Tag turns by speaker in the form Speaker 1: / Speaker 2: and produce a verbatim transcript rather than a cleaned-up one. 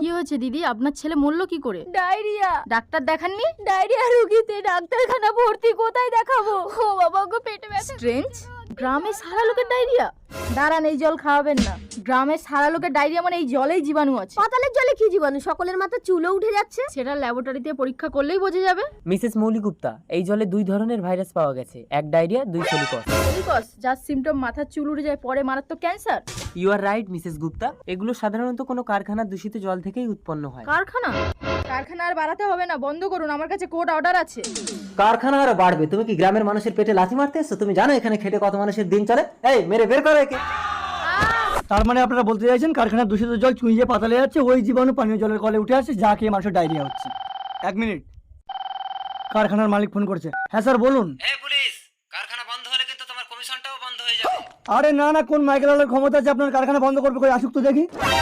Speaker 1: কি হয়েছে দিদি? আপনার ছেলে মরলো কি করে?
Speaker 2: ডায়রিয়া।
Speaker 1: ডাক্তার দেখাননি?
Speaker 2: ডায়রিয়া রোগীতে ডাক্তারখানা ভর্তি, কোথায় দেখাবো? ও বাবা গো, পেটে ব্যথা।
Speaker 1: স্ট্রেঞ্জ, গ্রামে সারা লোকের ডায়রিয়া? দাঁড়ান, এই জল খাওয়াবেন না। গ্রামের সারা লোকের ডায়রিয়া মানে এই জলেই জীবাণু আছে।
Speaker 2: পাতালের জলে কি জীবাণু? সকলের মাথা চুলও উঠে যাচ্ছে।
Speaker 1: সেটা ল্যাবরেটরিতে পরীক্ষা করলেই বোঝা যাবে।
Speaker 3: মিসেস মৌলিগুপ্তা, এই জলে দুই ধরনের ভাইরাস পাওয়া গেছে, এক ডায়রিয়া, দুই সেলিকস।
Speaker 1: সেলিকস, যার সিমটম মাথার চুল উঠে যায়, পরে মারাত্মক cancer.
Speaker 3: You are right Mrs Gupta, এগুলো সাধারণত কোনো কারখানার দূষিত জল থেকেই উৎপন্ন হয়।
Speaker 1: কারখানা? কারখানা আর বাড়াতে হবে না, বন্ধ করুন, আমার কাছে কোর্ট অর্ডার আছে।
Speaker 4: কারখানা আরো বাড়বে? তুমি কি গ্রামের মানুষের পেটে লাথি মারতে এসছো? তুমি জানো এখানে খেটে কত মানুষের দিন চলে? এই মেরে বের করো একে।
Speaker 5: তার মানে আপনারা বলতে চাইছেন কারখানার দূষিত জল চুঁইয়ে পাতালে যাচ্ছে, ওই জীবাণু পানীয় জলের কলে উঠে আসছে, যা খেয়ে মানুষের ডায়রিয়া হচ্ছে। এক মিনিট, কারখানার মালিক ফোন করছে। হ্যাঁ স্যার বলুন।
Speaker 3: এই পুলিশ, কারখানা বন্ধ হলে কিন্তু তোমার কমিশনটাও বন্ধ হয়ে যাবে।
Speaker 5: আরে না না, কোন মাইকেল আলার ক্ষমতা আছে আপনার কারখানা বন্ধ করবে? কই আসুক তো দেখি।